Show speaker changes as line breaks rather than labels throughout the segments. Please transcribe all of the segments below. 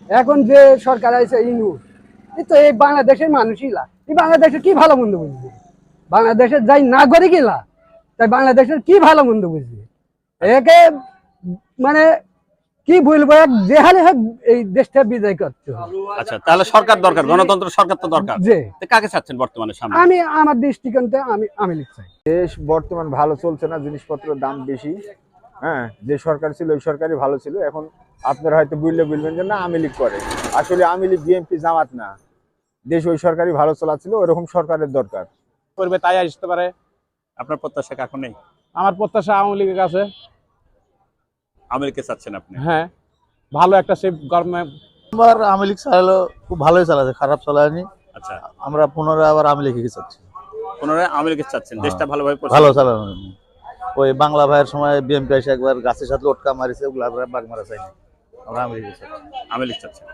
এখন যে সরকার আছে ইনুস, এই তো এই বাংলাদেশের মানুষই লা, এই বাংলাদেশের কি ভালো মন্দ বুঝবে? বাংলাদেশের যাই নাগরিক ইলা, তাই বাংলাদেশের কি ভালো মন্দ বুঝবে? একে মানে কি বলবো, এক যে হালে হোক এই দেশটা বিজয় করতে হবে।
আচ্ছা, তাহলে সরকার দরকার, গণতন্ত্র সরকার তো দরকার।
যে
কাকে চাচ্ছেন বর্তমানে সামনে?
আমি আমার দৃষ্টিকোণে আমি চাই।
দেশ বর্তমান ভালো চলছে না, জিনিসপত্রের দাম বেশি। হ্যাঁ, যে সরকার ছিল ওই সরকারই ভালো ছিল। এখন আপনারা হয়তো বলবেন যে না আওয়ামী লীগ করে, আসলে আওয়ামী লীগ বিএনপি জামাত না, দেশ ওই সরকারই ভালো চলাচ্ছিল, ওরকম সরকারের দরকার
করবে, তাই আসতে পারে।
আপনার প্রত্যাশা কাকে নেই?
আমার প্রত্যাশা আওয়ামী লীগের কাছে।
আওয়ামী লীগকে চাচ্ছেন আপনি?
হ্যাঁ, ভালো একটা সেই গভর্নমেন্ট।
আবার আওয়ামী লীগ চালালো, খুব ভালোই চালাচ্ছে, খারাপ চালায়নি।
আচ্ছা,
আমরা পুনরায় আবার আওয়ামী লীগকে চাচ্ছি।
পুনরায় আওয়ামী লীগকে চাচ্ছেন, দেশটা ভালোভাবে
ভালো চালানো। ওই বাংলা ভাইয়ের সময় বিএনপি এসে একবার গাছের সাথে লটকা মারিছে, ওগুলো আমরা বাগ মারা চাইনি, আমরা আওয়ামী লীগ চাচ্ছি।
আওয়ামী লীগ চাচ্ছেন।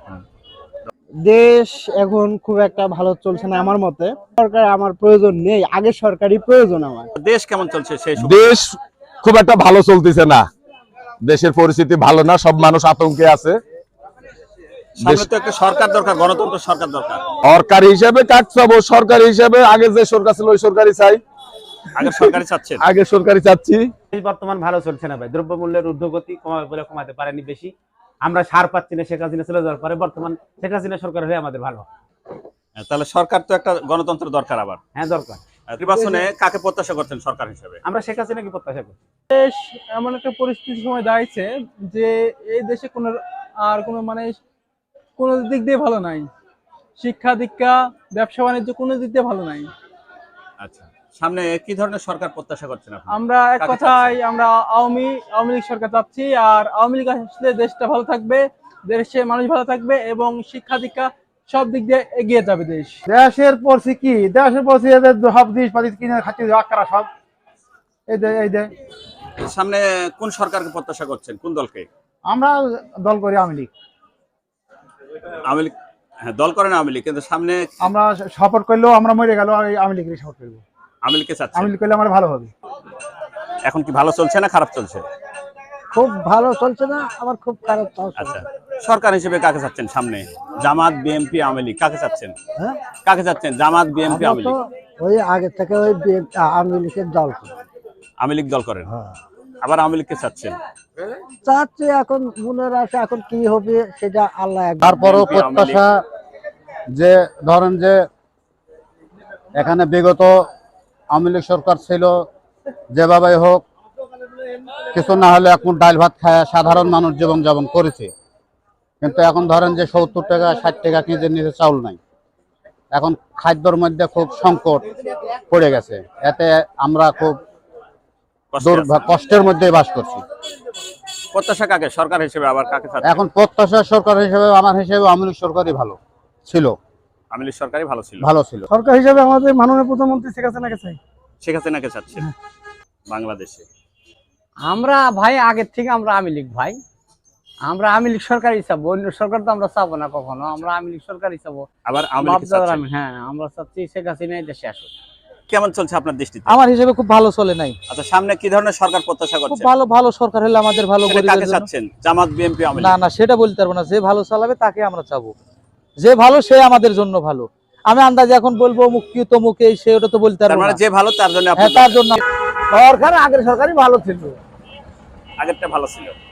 দেশ এখন খুব একটা ভালো চলছে না আমার মতে। সরকার আমার প্রয়োজন নেই, আগে সরকারি প্রয়োজন আমার।
দেশ কেমন চলছে সেই
দেশ খুব একটা ভালো চলতেছে না, দেশের পরিস্থিতি ভালো না, সব মানুষ আতঙ্কে আছে।
সামনে তো একটা সরকার দরকার, গণতন্ত্র সরকার দরকার।
সরকারি হিসেবে কাজ চাবো, সরকারি হিসেবে আগে যে সরকার ছিল ওই সরকারি চাই।
আগে সরকারি চাচ্ছেন?
আগে সরকারি চাচ্ছি।
বর্তমান ভালো চলছে না ভাই, দ্রব্যমূল্যের ঊর্ধ্বগতি কমাতে পারেনি বেশি। আমরা সার পাচ্ছি না, শেখ হাসিনা চলে যাওয়ার পরে বর্তমান শেখ হাসিনা সরকার হয়ে আমাদের ভালো।
তাহলে সরকার তো একটা গণতন্ত্র দরকার আবার।
হ্যাঁ, দরকার।
নির্বাচনে কাকে প্রত্যাশা করছেন সরকার হিসেবে?
আমরা শেখ হাসিনাকে প্রত্যাশা করি।
দেশ এমন একটা পরিস্থিতির সময় দাঁড়িয়েছে যে এই দেশে কোনো মানে কোনো দিক দিয়ে ভালো নাই। শিক্ষা দীক্ষা, ব্যবসা বাণিজ্য কোনো দিক দিয়ে ভালো নাই।
আচ্ছা, সামনে কি ধরনের সরকার প্রত্যাশা করছেন আপনি?
আমরা এক কথায় আমরা আওয়ামী লীগ সরকার চাচ্ছি, আর আওয়ামী লীগ আসলে দেশটা ভালো থাকবে, দেশের মানুষ ভালো থাকবে এবং শিক্ষা দীক্ষা সব দিক দিয়ে এগিয়ে যাবে দেশ।
দেশের পড়ছি কি, দেশের পড়ছি এদের সব জিনিসপাতি কিনে খাচ্ছি, আকারা সব এই দে।
সামনে কোন সরকারকে প্রত্যাশা করছেন, কোন দলকে?
আমরা দল করি আওয়ামী লীগ।
আওয়ামী লীগ? হ্যাঁ, দল করেন আওয়ামী লীগ, কিন্তু সামনে
আমরা সাপোর্ট করলেও আমরা মরে গেল আওয়ামী লীগের সাপোর্ট করবো।
আওয়ামী লীগকে চাচ্ছেন?
আওয়ামী লীগ করলে আমার ভালো হবে।
এখন কি ভালো চলছে না খারাপ চলছে?
খুব ভালো চলছে না, আবার খুব খারাপ চলছে।
আচ্ছা, সরকার হিসেবে কাকে চাচ্ছেন সামনে? জামাত, বিএনপি, আওয়ামী লীগ, কাকে চাচ্ছেন?
হ্যাঁ,
কাকে চাচ্ছেন? জামাত, বিএনপি, আওয়ামী লীগ?
ওই আগে থেকে ওই আওয়ামী লীগের দল করি।
আওয়ামী লীগ দল করেন, আবার আওয়ামী লীগকে চাচ্ছেন?
চাচ্ছি, এখন মনের আশা, এখন কি হবে সেটা আল্লাহ।
তারপরও প্রত্যাশা যে ধরেন যে এখানে বিগত আওয়ামী লীগ সরকার ছিল, যেভাবে হোক কিছু না হলে এখন ডাল ভাত খায় সাধারণ মানুষ জীবনযাপন করেছে। কিন্তু এখন ধরেন যে 70 টাকা 60 টাকা কেজির নিচে চাউল নাই, এখন খাদ্যর মধ্যে খুব সংকট পড়ে গেছে। এতে আমরা খুব কষ্টের মধ্যে বাস করছি।
প্রত্যাশা কাকে সরকার হিসেবে, আবার কাকে চাচ্ছেন?
এখন প্রত্যাশা সরকার হিসেবে আমার হিসেবে আওয়ামী লীগ সরকারই ভালো ছিল।
আওয়ামী লীগ সরকারই ভালো ছিল।
সরকার হিসেবে আমাদের মাননীয় প্রধানমন্ত্রী শেখ হাসিনাকে চাই।
শেখ হাসিনাকে চাচ্ছেন বাংলাদেশে?
আমরা ভাই আগের থেকে আমরা আওয়ামী লীগ ভাই, আমরা আওয়ামী লীগ সরকারই চাবো, অন্য সরকার তো আমরা চাবো না কখনো। আমরা আওয়ামী লীগ সরকারই চাবো।
আবার আওয়ামী লীগ চাচ্ছেন?
হ্যাঁ, আমরা চাচ্ছি শেখ হাসিনা দেশে আসুক।
কেমন চলছে আপনার দৃষ্টিতে?
আমার হিসেবে খুব ভালো চলে নাই।
আচ্ছা, সামনে কি ধরনের সরকার প্রত্যাশা
খুব
করছেন?
ভালো সরকার হলে আমাদের ভালো।
কাকে চাচ্ছেন? জামাত, বিএনপি, আওয়ামী লীগ?
না, সেটা বলতে পারবো না। যে ভালো চালাবে তাকে আমরা চাবো, যে ভালো সে আমাদের জন্য ভালো। আমি আন্দাজে এখন বলবো মুক্তি তমুক এই সে, ওটা তো বলতে পারবো না।
যে ভালো তার জন্য?
হ্যাঁ, তার জন্য। সরকার আগের সরকারই ভালো ছিল,
আগেরটা ভালো ছিল।